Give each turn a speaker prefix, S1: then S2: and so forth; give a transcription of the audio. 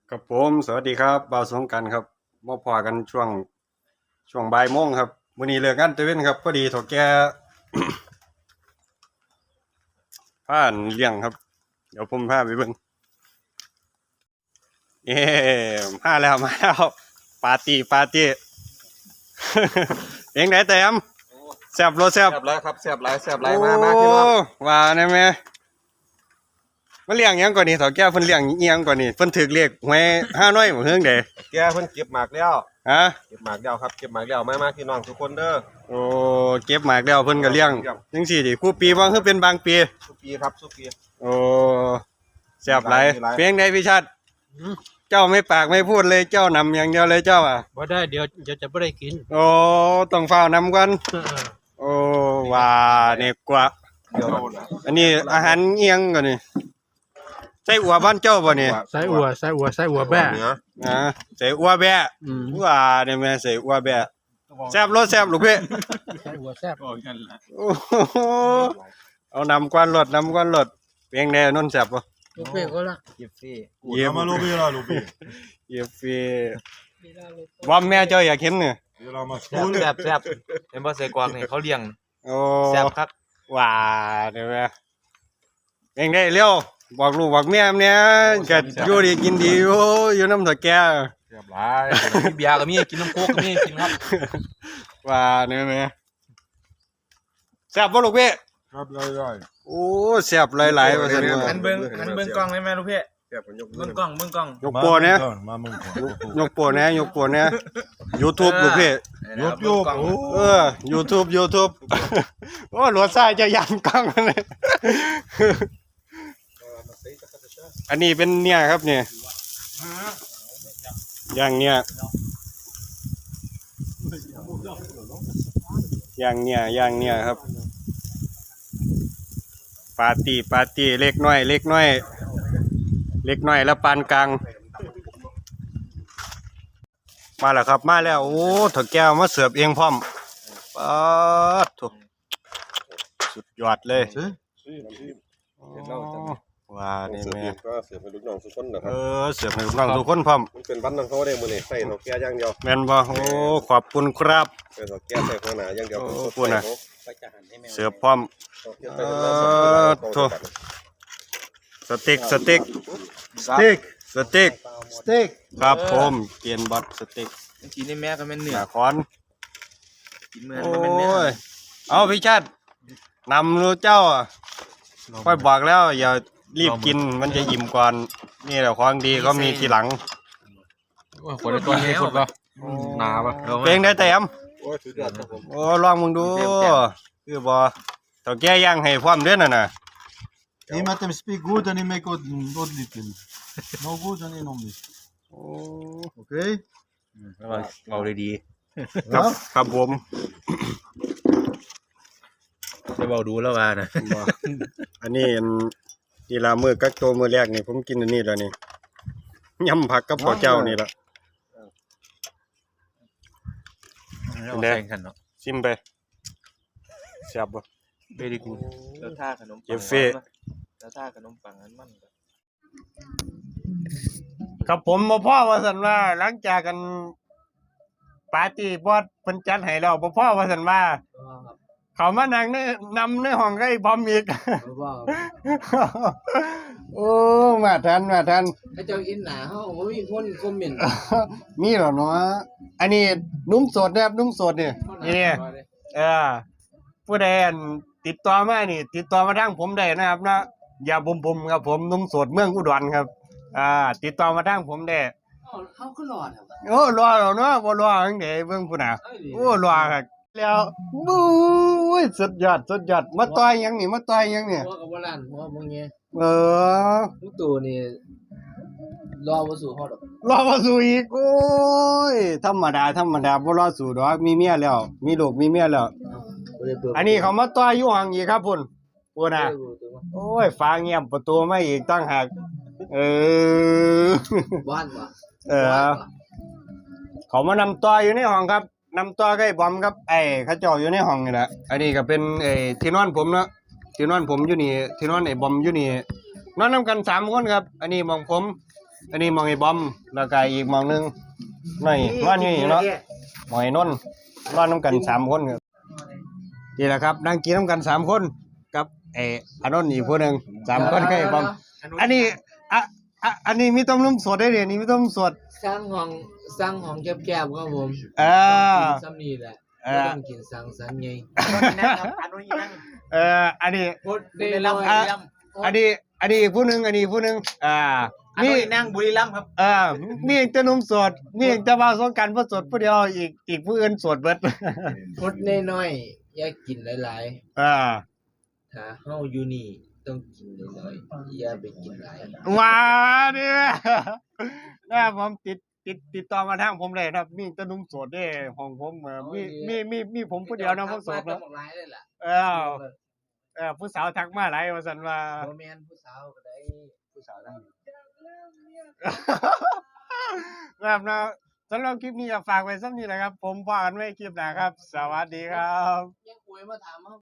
S1: ครับผมสวัสดีครับบ่าวสงกรานต์ครับมาพอกันช่วงบ่ายโมงครับมื้อนี้เลิกงานตะเวนครับพอดีเฒ่าแก่ พาเลี้ยงครับเดี๋ยวผมพาไปเบิ่งเย้มาแล้วปาร์ตี้ เองไหนแต้มแซ่บรสแซ่บ
S2: แซ่บหลายครับแซ่บหลายแซ่บหลายมาพี่น้อง
S1: ว่าแน่แม่มาเลี้ยงหยังก่อนนี่เฒ่าแก่เพิ่นเลี้ยงอีหยังก่อนนี่เพิ่นถูกเลขหวยห้าน้อยบ่เฮืองเด้
S2: แกเพิ่นเก็บหมากแล้ว
S1: ฮะ
S2: เก็บหมากแล้วครับเก็บหมากแล้วมาพี่น้องทุกคนเด้อ
S1: โอ้เก็บหมากแล้วเพิ่นก็เลี้ยงจังซี่ดิคู่ปีบ่คือเป็นบางปี
S2: สุปีครับสุปี
S1: โอ้แซ่บหลาย
S2: หลาย
S1: เพียงใดพี่ชัดเจ้าไม่ปากไม่พูดเลยเจ้านำอย่างเดียวเลยเจ้าอ่ะ
S3: บ่ได้เดี๋ยวจะไม่ได้กิน
S1: โอ้ต้องเฝ้านำก่อนโอ้ว่านี่กว่า
S2: เดี๋ยว
S1: อันนี้อาหารเอียงก่อนนี่ใส่อัวบ้านเจ้าบ่นี่
S3: ใส่อัวแบะ
S2: เนื้อ
S1: อ่าใส่อัวแบะว่าเนี่ยแม่ใส่อัวแบะแซ่บรสแซ่บลูกพี่
S3: ใส่อัวแซ่บ
S1: โอ้โหเอานำก้อนรถเพียงใดนนแซ่บบ่
S3: ลูกเป้ก็ละ
S2: เก็บซี่
S1: เยี่ยม
S4: มาลูบี้ละลูบี้
S1: เยี่ยมฟีบอมแม่เจ้าอยากเห็นเนี่ย
S4: เดี๋ยวเรามา
S5: แซ่บแซ่บแซ่บเห็นบ่ใส่กวางนี่เขาเลี้ยง
S1: โอ้
S5: แซ่บคัก
S1: ว่าเดี๋ยวแม่เองได้เร็วบอกลูกบอกเมียเนี่ยก็อยู่ดีกินดีอยู่น้ำตะแก
S5: แซ่บหลายมีเบียร์ก็มีกินน้ำโค้กก็มีกินครับ
S1: ว่าเนี่ยแม่แซ่บบ่ลูกพี่
S4: ครับได้
S1: โอ้แซ่บหลายๆว่าซั่นว่า
S5: หันเบิ่งกล้องได้ไหมลูกพี่
S2: แซ่บมันยก
S5: เบิ่งกล้องเบิ่งกล้อง
S1: ยกโปรเนี่ย
S4: มามึงก่อน
S1: ยกโปรเนี่ย YouTube ลูกพี่
S4: ยกโยกโอ้
S1: YouTube โอ้รถซ้ายจะยำกล้องเลย อันนี้เป็นเนี่ยครับเนี่ยอย่างเนี่ยครับปาร์ตี้เล็กน้อยแล้วปานกลางมาแล้วครับมาแล้วโอ้เถกแก้วมาเสิร์ฟเองพร้อมป๊าดโถสุดยอดเลยว้านี่แม่
S2: ก็เสือเป็นลูกน้องทุกคนนะค
S1: เอ
S2: รับ
S1: อเสิร์ฟให้น้องทุกคนพร้อม
S2: มันเป็นวันของเขาได้มื้อนี้ใส่เฒ่าแก่อย่างเดียว
S1: แม่นบ่โอ้ขอบคุณครับ
S2: ใส่เฒ่าแก่ใส่หัวหน้าอย่างเดียว
S1: โอ้
S2: ผม
S1: พูดนะ
S2: ใส่เขา
S1: เสิร์ฟพร้อม โถ่ สเต็ก
S3: สเต็ก
S1: ครับผมเกียนบอสสเต็ก
S5: กินในแม่ก็แม่นเนื้
S1: ห
S5: อ
S1: น้าคอน
S5: กินเมื่อ
S1: โอ้
S5: มันเป็นเนื้อย
S1: เอาพี่ชาตินำรู้เจ้าอ่ะค่อยบอกแล้วอย่ารีบกินมันจะอิ่มก่อนนี่แหละของดีก็มีทีหลัง
S5: คนในตัวนี้สุดป่ะหนาป่ะ
S1: เพลงได้แต้ม
S2: โอ้ยสุดยอดครับผม
S1: โอ้ลองมึงดูคือบ่เถ้าแก้ย่างให้พร้อมเด้อน่ะนะ
S4: He let them speak good and he make good little. No good and he no miss.
S1: โอ้
S4: Okay?
S5: เอาดี
S1: ครับผม
S5: ๆจะเบาดูแล้วว่านะ
S1: บ่อันนี้นี่ละมื้อกักตัวมื้อแรกนี่ผมกินอันนี้แล้วนี่ยำผักกับข้าวเจ้านี่ล่ะ
S5: เอาแข่งกันเนาะ
S1: ชิมไปแซ่บบ่
S5: เบดีกูแล้วท่าขนมปัง
S1: เจฟฟี่
S5: แล้วท่าขนมปังอันมันก็
S1: ครับผมบ่พ่อว่าซั่นว่าหลังจากกันปาร์ตี้บอสเพิ่นจัดให้แล้วบ่พ่อว่าซั่นว่าเขามานั่งนำในห้องกับไอ้บอมอีก โอ้มาทัน
S3: ไอ้เจ้าอินหนาเฮาบ่มีคนคอมเมนต์
S1: มีเหรอเนาะอันนี้นุ่มโสดนะครับนุ่มโสดนี่นี่ผู้ใดอันติดต่อมานี่ ติดต่อมาทางผมได้นะครับนะอย่าบุมๆครับผมนุ่มโสดเมืองอุดรครับ ติดต่อมาทางผมได้
S3: เฮาก็รอด
S1: โอ้รอแล้วเนาะบ่รอจังได๋เบิ่งพุ่นน่ะโอ้รอครับแล้วบู๊ยสุดยอดมาต่อยหยังนี่มาต่อยหยังนี่
S3: หัวกับบ่ล้านหัวบ่เงี้ย
S1: เออ
S3: ทุกตัวนี่รอบ่สู่ฮอดดอก
S1: รอมาสู่อีกโอ้ยธรรมดาบ่รอสู่ดอกมีเมียแล้ว มีลูกมีเมียแล้ว
S3: บ่ได้เปิด
S1: อันนี้เขามาต่อยอยู่ห้องอีกครับพุ่นพุ่นน่ะโอ้ยฟ้าเงียบประตูมาอีกตั้งหากเออ
S3: บ้านบ่
S1: เออ เขามานำต่ออยู่ในห้องครับนำต่อกับไอ้บอมครับไอ้เขาเจ้าอยู่ในห้องนี่แหละอันนี้ก็เป็นที่นอนผมเนาะที่นอนผมอยู่นี่ที่นอนไอ้บอมอยู่นี่นอนนำกัน3คนครับ อันนี้หมองผมอันนี้มองไอ้บอมแล้วก็อีกมองหนึงนี่นอนอยู่นี่เนาะหมอยนนท์นอนน้ำกัน3คนครับนี่แหละครับนั่งกินน้ำกัน3คนกับไอ้อานนท์อีกผู้หนึง3คนกับไอ้บอมอันนี้อันนี้มีต้มนุ่มสดได้เดี๋ยวนี้มีต้มสด
S3: สร้างห้องแคบๆครับผม ซ้ำนี่แหละบ่ต้องกินสังสรรค์ไง
S1: อันนี้
S3: พดได้ลำ
S1: อันนี้อีกผู้หนึงอันนี้อีกผู้หนึงมีนั่งบุรีรัมย์ครับมีเองแต่นุ่มสดมีเองแต่ว่าสงกรานต์บ่สดผู้เดียวอีกผู้อื่นสดเบิด
S3: พดน้อยๆอย่ากินหลายๆถ้าเฮาอยู่นี่ต้องกินน้อยๆอย่าไปกินหลาย
S1: ว้าเนี่ยนะผมติดต่อมาทางผมเลยครับมีแต่นุ่มโสดเด้ของผมมีผมผู้เดียวนะผมโสด
S3: แล้
S1: นะ
S3: วหลายเลยล่ะ
S1: ผู้สาวทักมาหลายว่าซั่นว่า
S3: บ่แม่นผู้สาวก็ได้ผู้สาวทั้งนี้
S1: ครับนะสำหรับคลิปนี้ก็ฝากไว้ซ้ำนี้แหละครับ ผมพากันไว้คลิปหน้าครับ สวัสดีครับ
S3: ยังคุยมาถามเฮา